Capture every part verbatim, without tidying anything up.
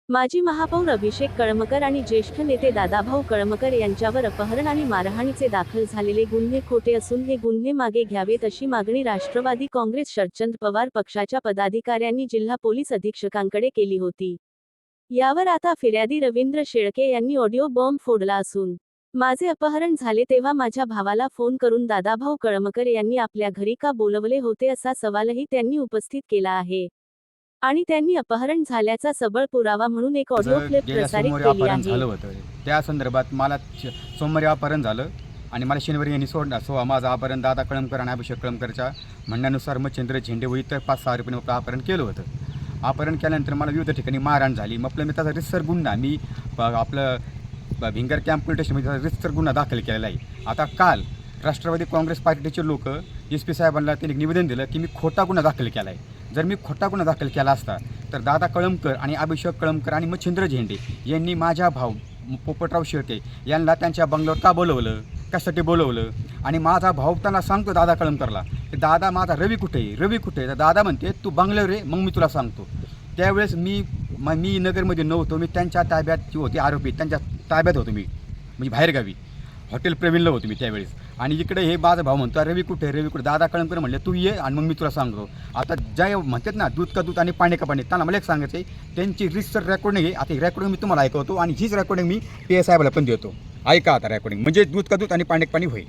माजी महापौर अभिषेक कळमकर आणि ज्येष्ठ नेते दादाभाऊ कळमकर यांच्यावर अपहरण आणि मारहाणीचे दाखल झालेले गुन्हे खोटे असून हे गुन्हे मागे घ्यावेत अशी मागणी राष्ट्रवादी काँग्रेस शरदचंद्र पवार पक्षाच्या पदाधिकाऱ्यांनी जिल्हा पोलीस अधीक्षकांकडे केली होती। यावर आता फिर्यादी रवींद्र शेळके यांनी ऑडिओ बॉम्ब फोडला असून, माझे अपहरण झाले तेव्हा माझ्या भावाला फोन करून दादाभाऊ कळमकर यांनी आपल्या घरी का बोलवले होते असा सवालही त्यांनी उपस्थित केला आहे आणि त्यांनी अपहरण झाल्याचा सबळ पुरावा म्हणून एक ऑडिओ क्लिप प्रसारित केली आहे। त्या संदर्भात मला सोमवारी अपहरण झालं आणि मला शनिवारी यांनी सोडला सो माझं अपहरण दादा कळमकर आणि अभिषेक कळमकरच्या म्हणण्यानुसार मच्छिंद्र झेंडे व इतर पाच सहा रुपये अपहरण केलं होतं। अपहरण केल्यानंतर मला विविध ठिकाणी मारहाण झाली। मग आपलं मी त्याचा रितसर गुन्हा मी आपलं भिंगर कॅम्प पोलीस स्टेशनमध्ये रितसर गुन्हा दाखल केलेला आहे। आता काल राष्ट्रवादी काँग्रेस पार्टीचे लोक एस पी साहेबांना त्यांनी निवेदन दिलं की मी खोटा गुन्हा दाखल केला आहे। जर मी खोटा गुन्हा दाखल केला असता तर दादा कळमकर आणि अभिषेक कळमकर आणि मच्छिंद्र झेंडे यांनी माझ्या भाऊ पोपटराव शेळके यांना त्यांच्या बंगल्यावर का बोलवलं, कशासाठी बोलवलं आणि माझा भाऊ त्यांना सांगतो दादा कळमकरला की दादा माझा रवी कुठे आहे, रवी कुठे आहे। तर दादा म्हणते तू बंगल्यावर रे, मग मी तुला सांगतो। त्यावेळेस मी मी नगरमध्ये नव्हतो, मी त्यांच्या ताब्यात जी होती आरोपी त्यांच्या ताब्यात होतो, मी म्हणजे बाहेरगावी हॉटेल प्रवीणला होतो मी त्यावेळेस। आणि इकडे हे माझा भाऊ म्हणतो रवी कुठे रवी कुठे दादा कळमकर म्हणले तू ये आणि मग मी तुला सांगतो। आता ज्या म्हणतात ना दूध का दूध आणि पाणी का पाणी, त्यांना मला एक सांगायचं आहे त्यांची रिसर रेकॉर्डिंग आहे। आता ही रेकॉर्डिंग मी तुम्हाला ऐकवतो आणि हीच रेकॉर्डिंग मी पी एस साहेबाला पण देतो। ऐका आता रेकॉर्डिंग, म्हणजे दूध का दूध आणि पाणी का पाणी होईल।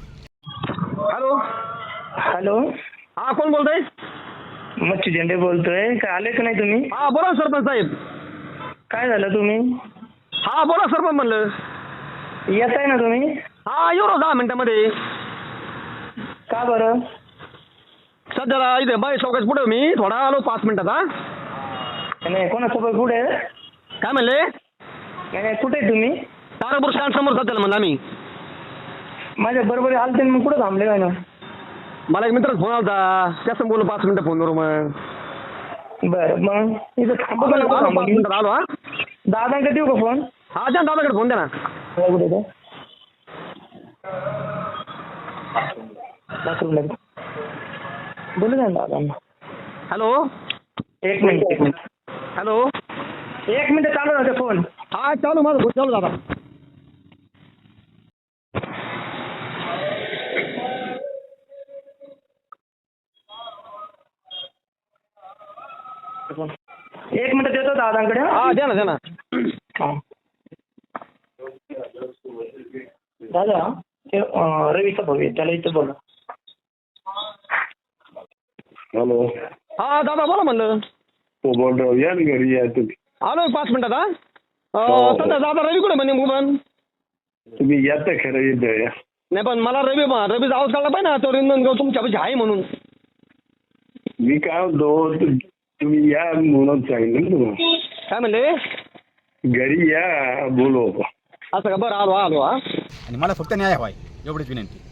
हॅलो हॅलो, हा कोण बोलतोय? मच्छी झेंडे बोलतोय। काय आले का नाही तुम्ही? हा बोला सरपंच साहेब। काय झालं तुम्ही? हा बोला सरपंच म्हणलं। येत आहे ना तुम्ही? हा येऊ ना दहा मिनिटामध्ये। का बरं? सध्याला इथे बाई चौकाच पुढे मी थोडा आलो पाच मिनिटात। हा नाही, कोणासोबत कुठे? काय म्हणले? नाही नाही, कुठे आहे तुम्ही? तारापूर स्टँड समोर सध्याला म्हणलं आम्ही। माझ्या बरोबर आलते मग कुठं थांबले काय ना? मला एक मित्र फोन आला त्याचं बोललो पाच मिनिटं फोनवर। मग बरं, मग इथं थांबू का नको आलो थांबू? पाच मिनिटात आलो। हा दादांकडे देऊ का फोन? हा द्या दादाकडे फोन द्या ना। कुठे ते? बाथरूमला बोलू द्या ना दादांना। हॅलो एक मिनिट एक मिनिट हॅलो एक मिनिट चालू राहते फोन। हा चालू माझं फोन चालू दादा। एक मिनिट देतो दादांकडे। हा द्या ना द्या ना। हा दादा, ते अं, रवीचा भाऊ आहे, त्याला इथं बोला। हॅलो, हा दादा बोला म्हणलं। हो बोलराव, या ना घरी या तुम्ही। आलो पाच मिनिटात। हा हो. सध्या दादा रवी कुठे म्हणे पण? तुम्ही या तर खरं येतं या। नाही पण मला रवी रवीचा आवाज काढला पाहिजे ना, तो रिंदनगाव तुमच्यापाशी आहे म्हणून। मी काय म्हणतो, तु- तुम्ही या म्हणून सांगितलं ना तुम्हाला। काय म्हणले? घरी या बोलू आपण। असं का? बरं आलो आलो। हा आणि मला फक्त न्याय हवाय एवढीच विनंती।